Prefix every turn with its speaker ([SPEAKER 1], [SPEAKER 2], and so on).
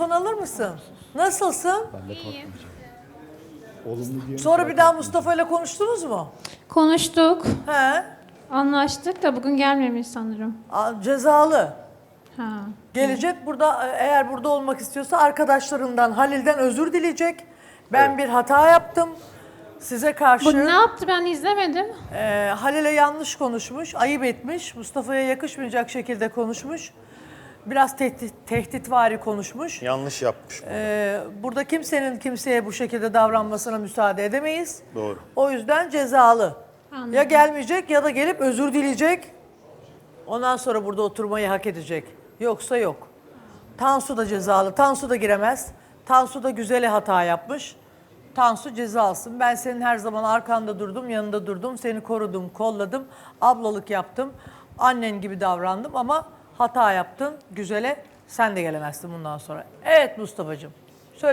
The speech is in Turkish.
[SPEAKER 1] Alır mısın? Nasılsın?
[SPEAKER 2] Ben de korkmayacağım. Olumlu diye
[SPEAKER 1] Sonra bir daha Mustafa ile konuştunuz mu?
[SPEAKER 3] Konuştuk,
[SPEAKER 1] He?
[SPEAKER 3] anlaştık da bugün gelmemiş sanırım.
[SPEAKER 1] Cezalı.
[SPEAKER 3] Ha.
[SPEAKER 1] Gelecek burada, eğer burada olmak istiyorsa arkadaşlarından, Halil'den özür dileyecek. Ben bir hata yaptım. Size karşı
[SPEAKER 3] Bu ne yaptı ben izlemedim.
[SPEAKER 1] Halil'e yanlış konuşmuş, ayıp etmiş. Mustafa'ya yakışmayacak şekilde konuşmuş. Biraz tehditvari konuşmuş.
[SPEAKER 4] Yanlış yapmış.
[SPEAKER 1] Burada kimsenin kimseye bu şekilde davranmasına müsaade edemeyiz.
[SPEAKER 4] Doğru.
[SPEAKER 1] O yüzden cezalı.
[SPEAKER 3] Anladım.
[SPEAKER 1] Ya gelmeyecek ya da gelip özür dileyecek. Ondan sonra burada oturmayı hak edecek. Yoksa yok. Tansu da cezalı. Tansu da giremez. Tansu da güzele hata yapmış. Tansu ceza alsın. Ben senin her zaman arkanda durdum, yanında durdum. Seni korudum, kolladım. Ablalık yaptım. Annen gibi davrandım ama hata yaptın. Güzele sen de gelemezsin bundan sonra. Evet Mustafa'cığım.